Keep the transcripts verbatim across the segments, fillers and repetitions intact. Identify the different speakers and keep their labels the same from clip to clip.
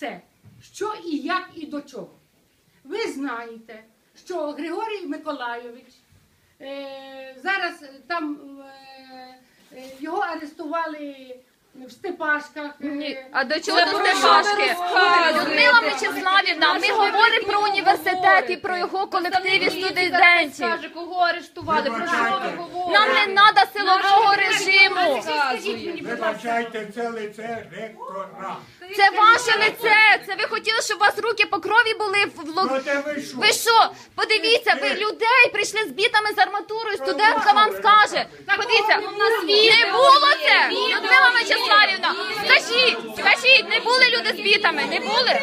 Speaker 1: все, що і як і до чого. Ви знаєте, що Григорій Миколайович, е, зараз там е, е, його арестували в Степашках.
Speaker 2: Ні. А до чого до Степашки? Людмила Мечиславівна, ми говоримо про університет і про його колективі студентів.
Speaker 3: Скаже, кого арештували, про що ви говорите?
Speaker 2: Нам не треба силового режиму.
Speaker 4: Вибачайте, це лице ректора.
Speaker 2: Це ваше лице. Це ви хотіли, щоб у вас руки по крові були в лоб. Ви що? Подивіться, ви людей прийшли з бітами з арматурою, студентка вам скаже. Подивіться, не було це, Людмила Мечиславівна. Скажіть, скажіть, не були люди з бітами, не були?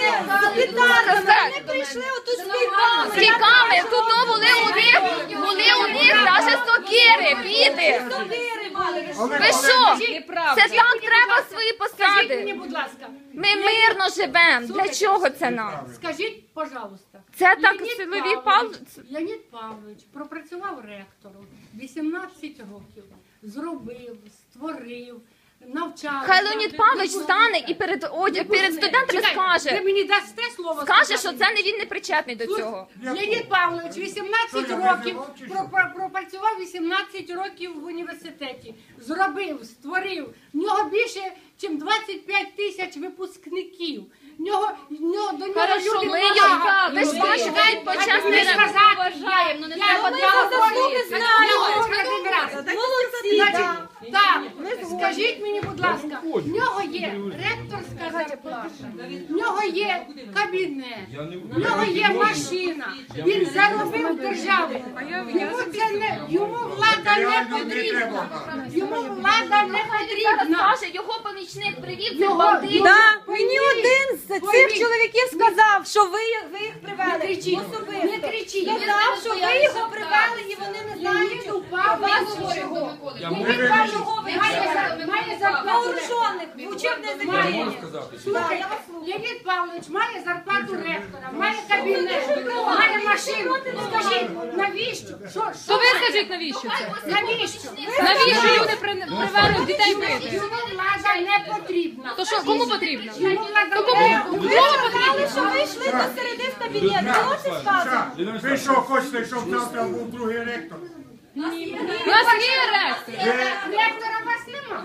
Speaker 5: Вони прийшли отут з бітами.
Speaker 2: З кіками, тут були у них, були у них навіть сокири, біти. Ви що? Це так треба свої
Speaker 1: Скажіть мені,
Speaker 2: посади.
Speaker 1: будь ласка,
Speaker 2: Ми мирно живемо. Для чого це нам?
Speaker 1: скажіть, пожалуйста.
Speaker 2: Це так
Speaker 1: Леонід
Speaker 2: силові
Speaker 1: Павлович,
Speaker 2: пал...
Speaker 1: Леонід Павлович пропрацював ректором вісімнадцять років, зробив, створив, навчав.
Speaker 2: Хай Леонід Павлович стане і перед, одяг, перед студентами
Speaker 1: Ви
Speaker 2: скаже.
Speaker 1: мені дасте слово
Speaker 2: Скаже,
Speaker 1: сказати?
Speaker 2: що це не він не причетний до цього.
Speaker 1: Леонід Павлович вісімнадцять
Speaker 4: Що, я
Speaker 1: років
Speaker 4: визивав чи що?
Speaker 1: пропра- пропрацював вісімнадцять років в університеті. Зробив, створив. В нього більше, ніж двадцять п'ять тисяч випускників. В нього, в нього, до нього
Speaker 3: Хорошо,
Speaker 1: люди
Speaker 3: ми
Speaker 1: повага.
Speaker 2: Ви ж бачите,
Speaker 1: Чекайте,
Speaker 2: почесний
Speaker 1: дайте мені
Speaker 2: раб.
Speaker 1: сказати.
Speaker 3: Вважаємо, ну не
Speaker 1: Я-
Speaker 3: треба
Speaker 1: я
Speaker 3: так
Speaker 1: говорю,
Speaker 3: говорити.
Speaker 1: я
Speaker 5: знаємо.
Speaker 1: говорю один раз.
Speaker 5: Молодці,
Speaker 1: Значить,
Speaker 5: так.
Speaker 1: так, скажіть мені, будь ласка, в нього є ректорська зарплата, в нього є кабінет, в нього є машина, він заробив державу. Йому це не, йому влада не потрібна. Йому влада не потрібна.
Speaker 2: Скаже, його помічник привів цих
Speaker 1: Його-
Speaker 2: бандитів.
Speaker 5: Да, мені один з цих
Speaker 1: Пойміть.
Speaker 5: чоловіків сказав, що ви, ви їх привели.
Speaker 1: Не кричіть,
Speaker 5: Особисто.
Speaker 1: не кричіть.
Speaker 5: Сказав, що ви його привели і вони не знають
Speaker 1: Леоніду
Speaker 5: про вас
Speaker 1: Павловичу,
Speaker 5: чого.
Speaker 4: Я
Speaker 1: Леонід
Speaker 4: можу
Speaker 1: Павлович має за- має зарплату
Speaker 5: Вооружених, в учебне заведення.
Speaker 1: Слухайте, Леонід Павлович має зарплату ректора, має кабінет, має машину. Скажіть, навіщо? Що, що
Speaker 3: То ви
Speaker 1: має?
Speaker 3: скажіть, навіщо це?
Speaker 1: Навіщо?
Speaker 3: Навіщо люди при- привели дітей бити?
Speaker 1: Йому влада не потрібна.
Speaker 3: То що, кому потрібно?
Speaker 1: Йому влада
Speaker 3: То кому?
Speaker 1: не
Speaker 5: Ви
Speaker 1: потрібна.
Speaker 5: сказали, що ви йшли до середи в кабінет. Чого це сказано?
Speaker 4: Ша, ви що хочете, щоб завтра був другий ректор?
Speaker 3: У нас є ректор.
Speaker 1: Ректора вас нема.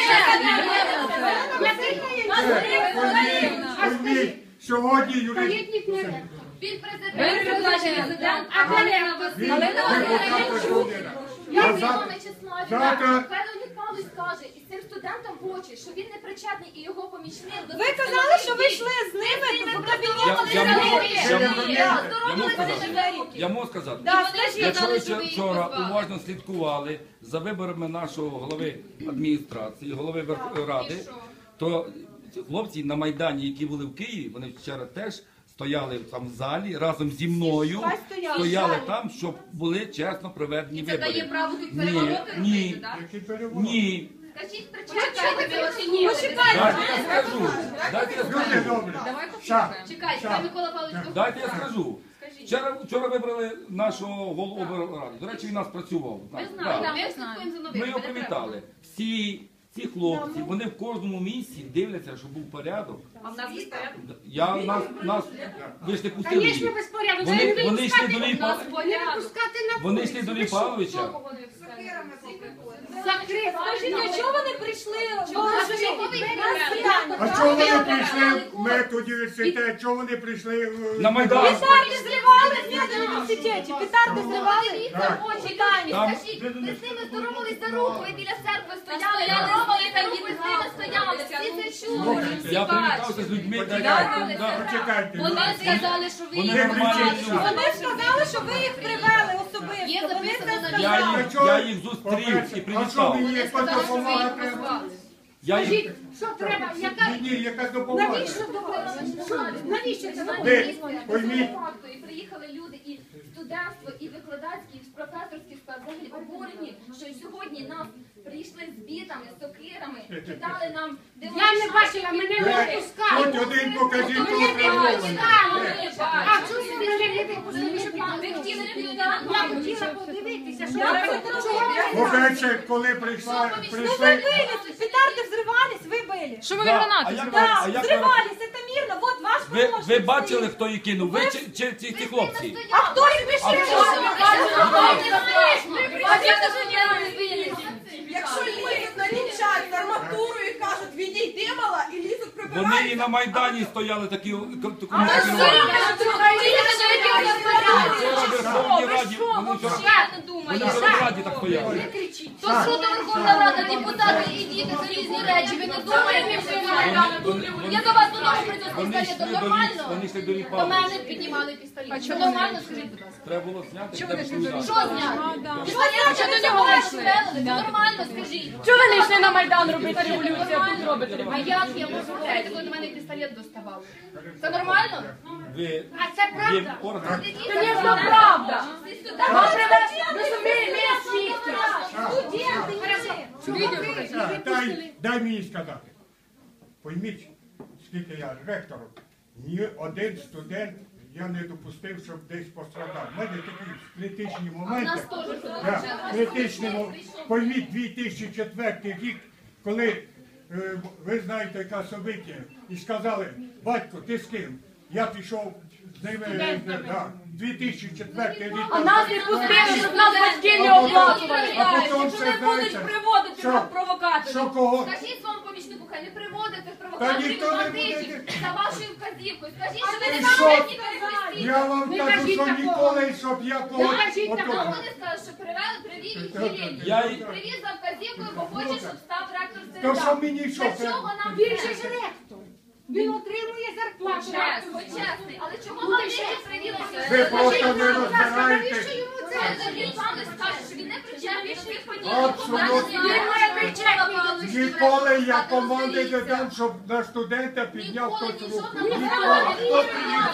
Speaker 4: Пойміть, пойміть, сьогодні юрист...
Speaker 1: Скажіть, їх не ректор.
Speaker 2: Він
Speaker 3: Ви президент.
Speaker 1: А Галина
Speaker 4: Він депутат людина. А
Speaker 2: Людмила
Speaker 4: завтра...
Speaker 2: Мечиславівна,
Speaker 4: завтра-
Speaker 2: хай Леонід Павлович скаже і цим студентам в очі, що він не причетний і його помічник. до
Speaker 5: Ви
Speaker 2: цих
Speaker 5: казали,
Speaker 2: силових
Speaker 5: що ви
Speaker 2: дій.
Speaker 5: йшли з ними в
Speaker 2: Я-
Speaker 5: кабінет.
Speaker 2: я
Speaker 5: вони
Speaker 2: можу-
Speaker 5: не
Speaker 4: я
Speaker 5: вийшли.
Speaker 4: можу-
Speaker 2: Я
Speaker 6: Я можу сказати?
Speaker 2: здоровилася.
Speaker 6: Я можу сказати.
Speaker 5: Да, скажіть.
Speaker 6: Якщо ви
Speaker 3: що ви їх
Speaker 6: вчора
Speaker 3: позвали.
Speaker 6: уважно слідкували за виборами нашого голови адміністрації, голови Верховної Ради, то хлопці на Майдані, які були в Києві, вони вчора теж стояли там в залі разом зі мною,
Speaker 5: Хай стояли.
Speaker 6: стояли там, щоб були чесно проведені
Speaker 3: Це дає
Speaker 6: вибори.
Speaker 3: право тут
Speaker 6: Ні,
Speaker 3: перевороти
Speaker 6: ні,
Speaker 3: робити, так?
Speaker 4: Який переворот?
Speaker 6: ні.
Speaker 2: Скажіть, причетний.
Speaker 3: Чекайте, ви оцінюєте.
Speaker 6: Дайте я скажу. Дайте я
Speaker 4: Люди
Speaker 6: скажу.
Speaker 4: добрі.
Speaker 3: Давай
Speaker 4: Ша,
Speaker 3: послухаємо. Чекайте, хай Микола Павлович
Speaker 6: Дайте я скажу. Вчора, вчора вибрали нашого голову ради. До речі, він у нас працював.
Speaker 3: Ми
Speaker 6: Так.
Speaker 3: знаємо, ми слідкуємо за новинами.
Speaker 6: Ми його
Speaker 3: не треба.
Speaker 6: привітали. Всі ці хлопці, вони в кожному місці дивляться, щоб був порядок.
Speaker 3: А в нас є порядок?
Speaker 6: Я нас, нас ви ж не пустили їх.
Speaker 1: Звісно, безпорядок.
Speaker 6: Вони,
Speaker 1: Це
Speaker 6: вони йшли до
Speaker 3: У
Speaker 6: Ліпа.
Speaker 3: нас
Speaker 1: не
Speaker 3: порядок.
Speaker 1: пускати на
Speaker 6: Вони
Speaker 1: вулицю.
Speaker 6: йшли до
Speaker 1: Ви що?
Speaker 6: Ліпавовича.
Speaker 1: Закрив.
Speaker 5: Скажіть, а чого вони прийшли?
Speaker 4: а чого вони прийшли в медуніверситет? Чого вони прийшли в...
Speaker 6: На Майдан.
Speaker 5: Петарди зривали в медуніверситеті. Петарди зривали.
Speaker 2: Дивіться в очі, люди,
Speaker 6: Там-
Speaker 2: скажіть, ви з ними здоровались за руку, ви біля церкви стояли,
Speaker 3: Стояли,
Speaker 2: здоровались за
Speaker 3: стояли,
Speaker 2: руку, ви з ними стояли, всі це чули.
Speaker 6: Слухайте, я привітався з людьми. та я-
Speaker 4: Почекайте,
Speaker 6: да.
Speaker 4: почекайте.
Speaker 3: Вони сказали, що ви
Speaker 6: Вони
Speaker 3: їх
Speaker 6: нормальні
Speaker 3: привели.
Speaker 6: люди.
Speaker 5: Вони сказали, що ви їх привели особисто.
Speaker 3: Є
Speaker 5: Вони
Speaker 3: записано
Speaker 5: це
Speaker 3: на
Speaker 5: сказали.
Speaker 6: Я
Speaker 4: А
Speaker 6: їх,
Speaker 4: чого-
Speaker 6: я їх зустрів і
Speaker 4: По-перше, А що
Speaker 6: привітав.
Speaker 4: мені
Speaker 3: Вони
Speaker 4: якась
Speaker 3: сказали, що ви
Speaker 4: допомога
Speaker 3: їх
Speaker 4: треба?
Speaker 3: позвали.
Speaker 6: Я їх...
Speaker 1: Скажіть, що треба, яка...
Speaker 4: Ні, ні, якась допомога.
Speaker 1: Навіщо допомога? Що? Навіщо це допомога?
Speaker 4: Ви, пойміть.
Speaker 2: І приїхали люди, і студентство, і викладацькі, і професорські склад взагалі обурені, що сьогодні нас прийшли з бітами, з сокирами, кидали нам
Speaker 1: Я не бачила, мене не
Speaker 4: Ви,
Speaker 1: пускали.
Speaker 4: Хоч один покажіть
Speaker 1: Мене
Speaker 4: того
Speaker 1: не
Speaker 4: травмованого.
Speaker 1: пускали. А чому ви мене не пустили?
Speaker 2: Ви хотіли
Speaker 1: Я хотіла подивитися, що
Speaker 5: Я
Speaker 1: ви
Speaker 5: це
Speaker 1: чого ви
Speaker 4: По-перше, коли прийшла,
Speaker 5: Ну ви
Speaker 4: прийшли...
Speaker 5: били, петарди взривались, ви били.
Speaker 3: Шумові
Speaker 6: Да,
Speaker 3: гранати.
Speaker 6: а як-
Speaker 5: Да,
Speaker 6: а як-
Speaker 5: взрывались, это примірно, от ваш
Speaker 6: Ви,
Speaker 5: помощник
Speaker 6: ви бачили,
Speaker 5: стоїть.
Speaker 6: хто її кинув? Ви чи, чи ці, ці хлопці?
Speaker 5: А хто їх пішов?
Speaker 7: Якщо лізуть на дівчат з арматурою і кажуть, відійди мала, і лізуть прибирають.
Speaker 6: Вони і на Майдані стояли такі таку
Speaker 2: А ви що?
Speaker 6: Вчора в Верховній Раді, вони вчора, вони вчора в Раді так стояли.
Speaker 3: То суду Верховна Рада, депутати і діти за різні речі. Ви не думаєте, що я до вас додому прийду з
Speaker 6: Вони йшли
Speaker 3: пістолетом.
Speaker 6: до ліс,
Speaker 3: Нормально?
Speaker 6: вони йшли до
Speaker 3: До
Speaker 6: ліпали.
Speaker 3: мене піднімали пістолет. Що нормально, скажіть, будь ласка.
Speaker 6: Треба було зняти, треба
Speaker 3: Що
Speaker 6: відповідати.
Speaker 3: зняти? Пістолет, що до нього вийшли? Нормально, скажіть.
Speaker 5: Чого ви не йшли на Майдан робити революцію, а тут робите
Speaker 3: А як я можу говорити, коли до мене пістолет доставали? Це нормально?
Speaker 6: Ви
Speaker 1: А це
Speaker 6: є
Speaker 1: правда?
Speaker 6: орган.
Speaker 5: Звісно, правда. Вам привезли, розумієте, ми свідки.
Speaker 4: Так, Дай, дай мені сказати. Пойміть, скільки я ректором, ні один студент я не допустив, щоб десь пострадав. У мене такі критичні моменти. Так, критичні моменти. Пойміть, дві тисячі четвертий рік, коли е, ви знаєте, яка собиття, і сказали, батько, ти з ким? Я пішов з ними, е, да, дві тисячі четвертий рік.
Speaker 5: А нас не пустили, щоб нас батьки не оплачували.
Speaker 4: А потім
Speaker 5: Якщо
Speaker 4: все
Speaker 5: не будуть
Speaker 4: знаєте,
Speaker 5: приводити
Speaker 4: що-
Speaker 5: нас провокаторів.
Speaker 4: Що кого?
Speaker 3: Скажіть своєму помічнику, хай не приводить цих
Speaker 4: Та
Speaker 3: провокаторів
Speaker 4: ніхто
Speaker 3: і
Speaker 4: не
Speaker 3: бандитів
Speaker 4: буде.
Speaker 3: за вашою вказівкою. Скажіть, що ви
Speaker 4: І
Speaker 3: не
Speaker 4: що?
Speaker 3: знаєте, які перехрестіть.
Speaker 4: Я вам
Speaker 1: Не
Speaker 4: кажу,
Speaker 1: кажіть
Speaker 4: що
Speaker 1: такого.
Speaker 4: ніколи, щоб я когось...
Speaker 1: кажіть
Speaker 4: отут-
Speaker 1: такого.
Speaker 3: Вони скажуть, що привели, привів їх Єлені.
Speaker 6: Я й-
Speaker 3: Привіз за вказівкою, бо хоче, щоб став ректор
Speaker 4: То що
Speaker 3: Середа.
Speaker 4: мені що?
Speaker 3: Для
Speaker 4: це-
Speaker 3: чого нам
Speaker 1: Він же ж ректор. Він отримує зарплату.
Speaker 3: Чес, хоч чесний. Але чого вам не привілося?
Speaker 4: Ви просто не розбираєте.
Speaker 3: Це він вам не скаже, що він не причетний до тих подій.
Speaker 4: Абсолютно.
Speaker 3: Він має причетність.
Speaker 4: Ніколи я команди не дам, щоб на студента підняв
Speaker 3: Ніколи
Speaker 4: хтось
Speaker 3: ні
Speaker 4: руку.
Speaker 3: жодного
Speaker 4: Ніколи. Хто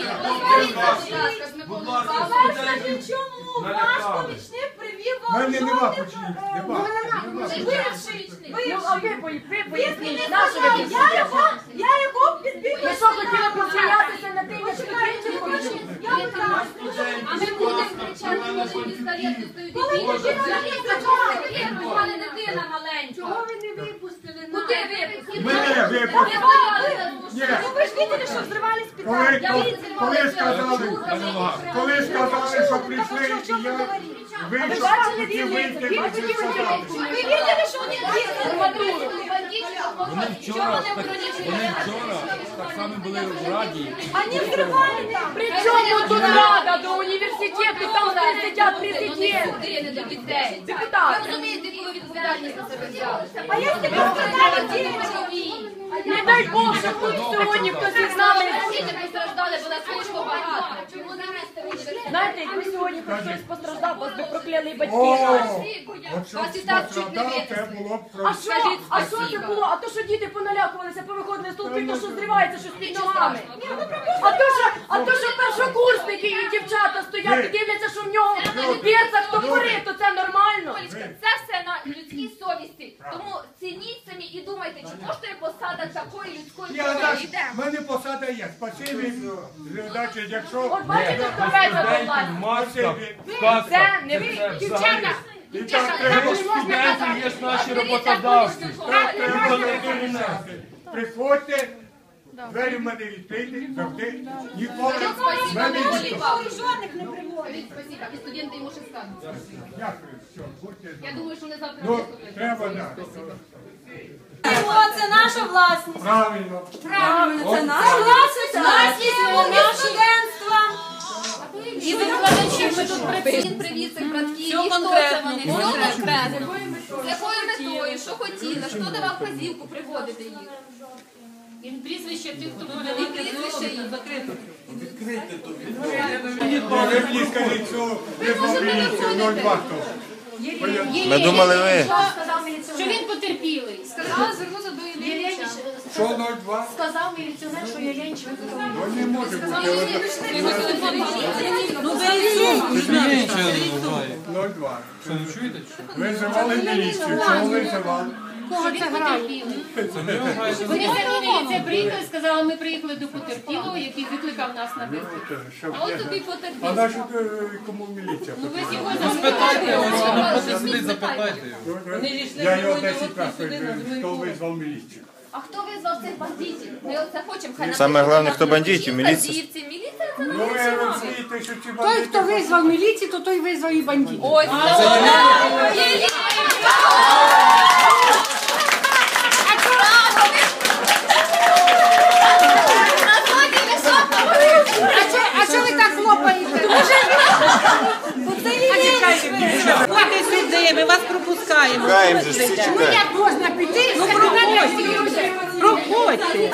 Speaker 7: Скажіть, чому ваш помічник привів
Speaker 4: У
Speaker 7: вам
Speaker 4: мене нема
Speaker 7: жодних,
Speaker 4: починів.
Speaker 7: е,
Speaker 4: Нема. Нема.
Speaker 5: Ну, а ви, пої- ви
Speaker 7: Він
Speaker 5: поясніть,
Speaker 7: не
Speaker 5: на що ви
Speaker 7: сказав,
Speaker 5: тут
Speaker 7: я
Speaker 5: сидите?
Speaker 7: його, я його підбив.
Speaker 5: Ви що, хотіли посміятися на тим, як студентів помічник?
Speaker 7: Я вкрав.
Speaker 3: А ми будемо кричати, коли пістолети стоять.
Speaker 7: Коли дитина не
Speaker 3: У мене дитина маленька.
Speaker 1: Чого ви не випустили нас?
Speaker 3: Куди випустили?
Speaker 4: Мене випустили. Ні.
Speaker 5: Ну ви ж бачили, що взривали
Speaker 4: Коли,
Speaker 5: спитали.
Speaker 4: коли, коли сказали, коли сказали, що прийшли, і я вийшов, хотів вийти, і всі сказали.
Speaker 7: Ви видели, що вони
Speaker 5: Арматуру.
Speaker 6: Вони вчора, так, вони вчора так само були в Раді.
Speaker 7: Вони взривали там.
Speaker 5: При чому тут рада до університету, там де сидять президенти?
Speaker 3: Години до дітей.
Speaker 5: Депутати.
Speaker 3: Ви розумієте, яку ви відповідальність на себе взяли?
Speaker 7: А якщо ви сказали дітям?
Speaker 5: Не дай Бог, що тут сьогодні хтось із нами.
Speaker 3: Діти постраждали, бо нас слишком багато. Чому не місце в університеті?
Speaker 5: Знаєте, якби сьогодні хоч хтось постраждав, вас би прокляли батьки
Speaker 4: О,
Speaker 5: наші.
Speaker 4: от щоб
Speaker 3: Вас і так чуть не
Speaker 4: пострадав, це
Speaker 3: винесли.
Speaker 4: було б
Speaker 5: А
Speaker 4: просто.
Speaker 5: що? А що це було? А то, що діти поналякувалися, повиходили з толпи, то що зривається щось під ногами. А то, що, а то, що першокурсники і дівчата стоять і дивляться, що в нього в берцах топори, то це нормально.
Speaker 3: Олечка, це все на людській совісті. Тому цініть самі і думайте, чи коштує посада такої людської
Speaker 4: Я так,
Speaker 3: совісті.
Speaker 4: в мене посада є. Спасибі, значить, якщо...
Speaker 5: От бачите, ховається до влади.
Speaker 6: Маска,
Speaker 4: Спасибі.
Speaker 5: Це не ви, дівчата.
Speaker 4: І так треба
Speaker 6: студенти є наші роботодавці.
Speaker 4: так треба робити. Приходьте, двері в мене відкриті, завжди. Ніколи в мене ніхто.
Speaker 7: Жодних не приводить.
Speaker 3: Спасибо. І студенти йому ще скажуть.
Speaker 4: Дякую, все, будьте
Speaker 3: Я
Speaker 4: здорові.
Speaker 3: думаю, що вони завтра
Speaker 4: Ну,
Speaker 3: виступлять.
Speaker 4: треба, так.
Speaker 5: Це наша власність.
Speaker 4: Правильно.
Speaker 5: Правильно, це наша власність, власність нашого студентства. І викладачів ми тут працюємо.
Speaker 3: Він привіз цих братків, і хто це вони? Все конкретно. З якою метою, що хотіли, хто давав вказівку приводити їх? І прізвище тих, хто привели. І прізвище їх.
Speaker 4: Ви мені скажіть, що ви зловилися, ноль два хто.
Speaker 8: Ми думали ви.
Speaker 1: Що він потерпілий.
Speaker 3: Сказали звернутися до Ілліча.
Speaker 4: Що ноль два?
Speaker 1: Сказав міліціонер, що я Янченко.
Speaker 4: Ну не може бути. ноль два. Визивали міліцію. Чого визивали?
Speaker 1: Кого це грає? Вони самі міліція приїхали, сказали, ми приїхали до потерпілого, який викликав нас на виклик.
Speaker 4: Щоб
Speaker 3: А от
Speaker 4: я-
Speaker 3: тобі
Speaker 4: А
Speaker 3: потерпів.
Speaker 4: на що е, кому міліція?
Speaker 1: Ну ви його запитайте.
Speaker 4: Я його десять разів, хто визвав міліцію.
Speaker 3: А хто визвав цих бандитів? Ми оце хочемо, хай
Speaker 8: Саме
Speaker 3: напишуть,
Speaker 8: головне,
Speaker 3: у
Speaker 8: хто
Speaker 3: нас
Speaker 8: бандитів,
Speaker 3: вночі
Speaker 8: міліція.
Speaker 3: вказівці. Міліція це
Speaker 4: Ну
Speaker 3: не
Speaker 4: ви
Speaker 3: наші нами.
Speaker 4: розумієте, що ці
Speaker 1: Той,
Speaker 4: бандити...
Speaker 1: хто визвав міліцію, то той визвав і бандитів.
Speaker 3: Ось це вона! Є
Speaker 1: А що, а що ви так хлопаєте?
Speaker 7: Ходьте сюди, ми вас пропускаємо.
Speaker 8: Чекаємо же, всі
Speaker 1: Ну
Speaker 8: чекаємо.
Speaker 1: як можна піти? Ну проходьте.
Speaker 7: Проходьте.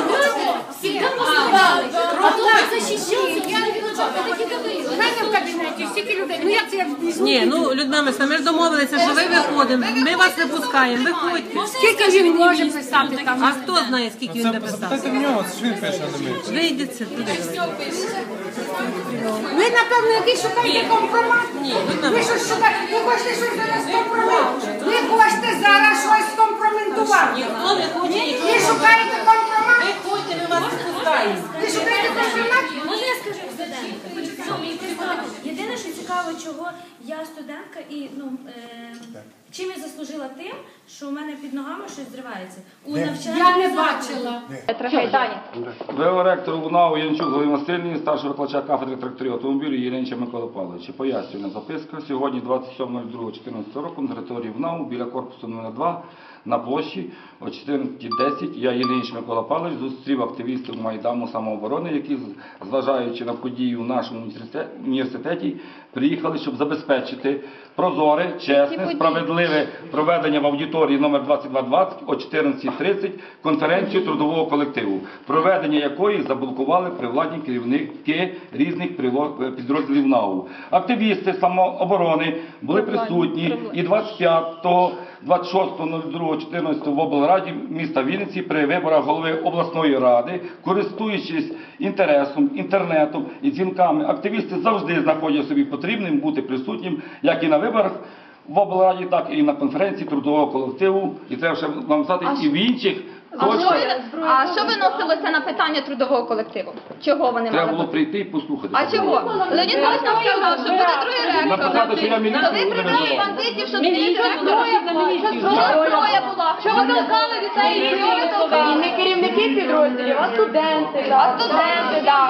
Speaker 1: У мене в кабінеті стільки людей. Ну як це я візьму?
Speaker 7: Ні, ну, Людмила Мисна, ми ж домовилися, що ви виходимо. Ми вас не пускаємо, виходьте.
Speaker 1: Скільки він може писати там?
Speaker 7: А хто знає, скільки він написав?
Speaker 9: в нього, що він пише, а не ми.
Speaker 7: Вийдіть туди.
Speaker 1: Ви, напевно, якийсь шукаєте компромат?
Speaker 7: Ні,
Speaker 1: Ви щось шукаєте? Ви хочете щось зараз компромат? Ви хочете зараз щось скомпроментувати?
Speaker 7: Ніхто не хоче нічого.
Speaker 1: Ви шукаєте компромат?
Speaker 7: Виходьте, ми вас не пускаємо.
Speaker 1: Ви шукаєте компромат?
Speaker 10: Можна я скажу студентка? Єдине, що цікаво, чого я студентка і ну е, чим я заслужила тим, що у мене під ногами щось зривається. У навчальному
Speaker 1: Я не
Speaker 10: закладі.
Speaker 1: бачила.
Speaker 6: ВО ректору УНАУ Янчук Галина Васильівні, старшого викладача кафедри тракторів автомобілів Єленча Микола Павловича. Пояснювальна записка. Сьогодні, двадцять сьомого другого дві тисячі чотирнадцятого року, на території УНАУ, біля корпусу номер два, на площі о чотирнадцятій десять я, Єленч Микола Павлович, зустрів активістів Майдану самооборони, які, зважаючи на події у нашому університеті, приїхали, щоб забезпечити прозоре, чесне, справедливе проведення в аудиторії номер двадцять два двадцять о чотирнадцятій тридцять конференцію трудового колективу, проведення якої заблокували привладні керівники різних підрозділів НАУ. Активісти самооборони були присутні і двадцять п'ятого двадцять шостого другого чотирнадцятого в облраді міста Вінниці при виборах голови обласної ради, користуючись інтересом, інтернетом і дзвінками, активісти завжди знаходять собі потрібним бути присутнім як і на виборах в облраді, так і на конференції трудового колективу. І треба ще вам сказати, і в інших.
Speaker 2: А що, а що виносилося на питання трудового колективу? Чого вони
Speaker 6: Треба
Speaker 2: мали
Speaker 6: було
Speaker 2: бути?
Speaker 6: прийти і послухати.
Speaker 2: А чого? Леонід Павлович нам сказав, що буде другий ректор.
Speaker 6: Написати, що я міліцію
Speaker 2: То ви
Speaker 6: не
Speaker 2: прийняли
Speaker 6: визивав.
Speaker 2: бандитів, щоб змінити зброя була, щоб зброя була. Що ви толкали дітей? Що ви толкали? Не керівники підрозділів, а студенти. А студенти, так.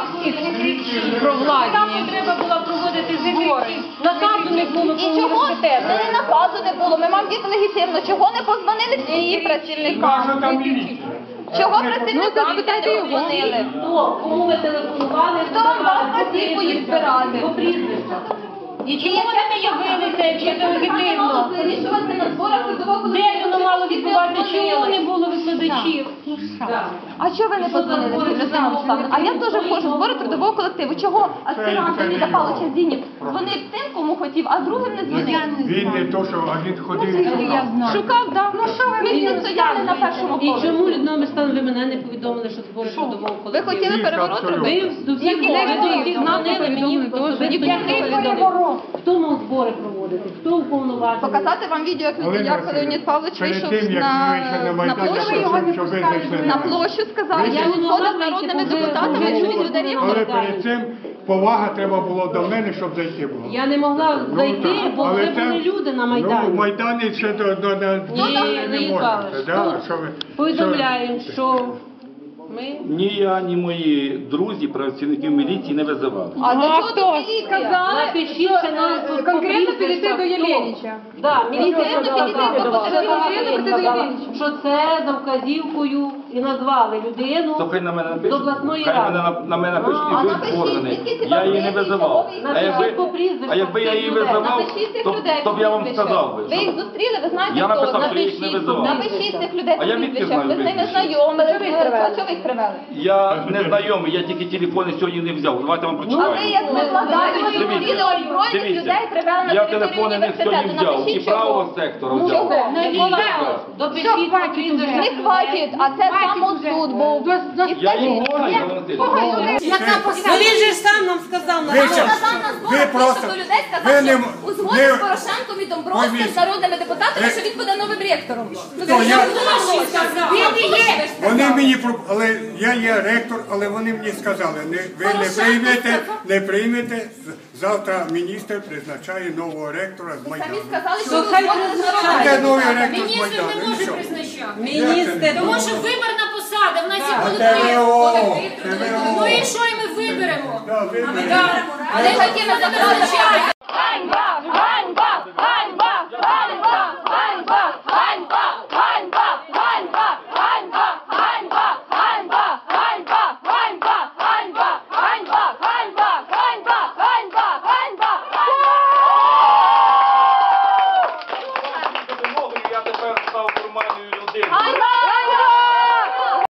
Speaker 7: Про владі.
Speaker 10: Там треба було проводити збори. Наказу не було.
Speaker 2: І чого не наказу не було? Ми маємо діти легітимно. Чого не позвонили всі працівникам? Чого працівникам не позвонили?
Speaker 3: Хто? Кому ви телефонували?
Speaker 2: Хто вам дав вказівку їх збирати?
Speaker 3: По прізвищах.
Speaker 2: І чому ви не явилися, якщо це легітимно? Вирішувати на зборах трудового колективу.
Speaker 3: Де воно мало відбуватися? Чому не було викладачів?
Speaker 2: А чого ви не позвонили, Людмила Олександрівна? А я теж входжу в збори трудового колективу. Чого аспірант Леоніда Павловича Зінів дзвонив тим, кому хотів, а другим не дзвонив?
Speaker 4: Він не то, що один ходив.
Speaker 2: Шукав, так. Ну що ви, ми всі стояли на першому
Speaker 3: І
Speaker 2: поверсі.
Speaker 3: чому, Людмила Мирославівна, ви мене не повідомили, що збори трудового
Speaker 2: Ви
Speaker 3: колективу?
Speaker 2: хотіли переворот
Speaker 4: абсолютно.
Speaker 2: робити?
Speaker 3: Ви до всіх були, ви до всіх дзвонили, мені повідомили. Хто мав збори проводити? Хто уповноважений?
Speaker 2: Показати вам відео, як,
Speaker 4: Олена
Speaker 2: як
Speaker 4: Василівна,
Speaker 2: Леонід Павлович
Speaker 4: перед
Speaker 2: вийшов
Speaker 4: тим, як
Speaker 2: на,
Speaker 4: ви вийшли на
Speaker 2: на
Speaker 4: Майдан,
Speaker 2: площу,
Speaker 4: щоб- щоб ви зайшли
Speaker 2: на
Speaker 4: на-
Speaker 2: площу сказали,
Speaker 4: Ви
Speaker 2: я
Speaker 4: не
Speaker 2: відходив з народними депутатами, чують людей.
Speaker 4: Але перед цим повага треба було до мене, щоб зайти було.
Speaker 3: Я не могла
Speaker 4: Ну,
Speaker 3: зайти,
Speaker 4: так.
Speaker 3: бо
Speaker 4: Але
Speaker 3: вже
Speaker 4: це-
Speaker 3: були люди на
Speaker 4: Ну,
Speaker 3: Майдані.
Speaker 4: в Майдані ще до, до, до,
Speaker 3: Ні,
Speaker 4: не
Speaker 3: Леонід
Speaker 4: можна.
Speaker 3: Павлович,
Speaker 4: Да,
Speaker 3: тут
Speaker 4: що ви,
Speaker 3: повідомляємо, що ми...
Speaker 6: Ні я, ні мої друзі, працівників міліції не визивали.
Speaker 2: А до чого тут міліція?
Speaker 3: Напишіть, що нам конкретно підійти до Єленіча. Так, міліція
Speaker 2: Конкретно підійти до
Speaker 3: сказала, що це за вказівкою і назвали людину
Speaker 6: То хай на мене
Speaker 3: з
Speaker 6: напишуть,
Speaker 3: обласної
Speaker 6: хай мене,
Speaker 3: ради.
Speaker 6: на, на мене напишуть,
Speaker 2: А
Speaker 6: і ви
Speaker 2: напишіть,
Speaker 6: згорнений.
Speaker 2: скільки
Speaker 6: Я її не
Speaker 2: людей,
Speaker 6: визивав.
Speaker 2: чого ви
Speaker 6: А якби,
Speaker 3: Напишіть по прізвищах
Speaker 6: а якби я
Speaker 3: цих
Speaker 6: її
Speaker 3: людей.
Speaker 6: визивав,
Speaker 2: Напишіть цих
Speaker 6: то,
Speaker 2: людей
Speaker 6: то б я вам
Speaker 2: прізвища.
Speaker 6: сказав би.
Speaker 2: Ви їх зустріли, ви знаєте,
Speaker 6: Я
Speaker 2: хто?
Speaker 6: написав, що я їх не
Speaker 2: Напишіть,
Speaker 6: визивав.
Speaker 2: напишіть цих людей
Speaker 6: А я звідки
Speaker 2: прізвища.
Speaker 6: знаю
Speaker 2: Ви з ними
Speaker 6: прізвища?
Speaker 2: знайомі. А чого ви їх привели?
Speaker 6: Я не знайомий, я тільки телефони сьогодні не взяв. Давайте вам
Speaker 2: А ви
Speaker 6: прочитаю.
Speaker 2: як викладаєте
Speaker 6: Дивіться,
Speaker 2: відео озброєних
Speaker 6: дивіться.
Speaker 2: людей привели на
Speaker 6: Я
Speaker 2: територію
Speaker 6: телефони не сьогодні
Speaker 2: університету.
Speaker 6: взяв, і
Speaker 2: Напишіть,
Speaker 6: правого
Speaker 2: чого.
Speaker 6: сектора
Speaker 2: Ну,
Speaker 6: взяв.
Speaker 2: чого?
Speaker 3: Не
Speaker 6: І
Speaker 3: було.
Speaker 6: так.
Speaker 3: Допишіть по прізвищах.
Speaker 2: Не хватить, а це прямо тут був.
Speaker 6: Я її знаю, Валентин.
Speaker 1: Яка посада?
Speaker 7: Ну він же ж сам нам сказав,
Speaker 4: Ви
Speaker 7: на
Speaker 4: щас-
Speaker 2: Сказав на
Speaker 4: ви
Speaker 2: зборах,
Speaker 4: просто-
Speaker 2: вийшов до людей,
Speaker 4: ви
Speaker 2: сказав,
Speaker 4: не
Speaker 2: що
Speaker 4: м-
Speaker 2: узгодив
Speaker 4: не-
Speaker 2: з Порошенком і Домбровським,
Speaker 4: Пойміть.
Speaker 2: з народними депутатами,
Speaker 4: Е,
Speaker 2: що він буде новим ректором.
Speaker 4: То я-
Speaker 1: Він і є.
Speaker 4: Вони мені про- але я є ректор, але вони мені сказали, не, ви не
Speaker 2: Порошенко
Speaker 4: приймете,
Speaker 2: сказав.
Speaker 4: не приймете. з- Завтра міністр призначає нового ректора з
Speaker 2: Самі
Speaker 4: Майдану.
Speaker 2: сказали, що
Speaker 7: То
Speaker 2: ви
Speaker 7: хай
Speaker 2: узгодили з
Speaker 4: Де
Speaker 2: народними
Speaker 4: новий
Speaker 2: депутатами.
Speaker 4: ректор з
Speaker 1: Міністр не
Speaker 4: Майдану? І
Speaker 1: може
Speaker 4: що?
Speaker 1: призначати.
Speaker 7: міністр.
Speaker 1: Тому що виборна посада, в нас є
Speaker 4: А
Speaker 1: колектив.
Speaker 4: ТВО,
Speaker 1: Ну і що, і ми виберемо?
Speaker 4: Да, ви-
Speaker 2: Але такими забрали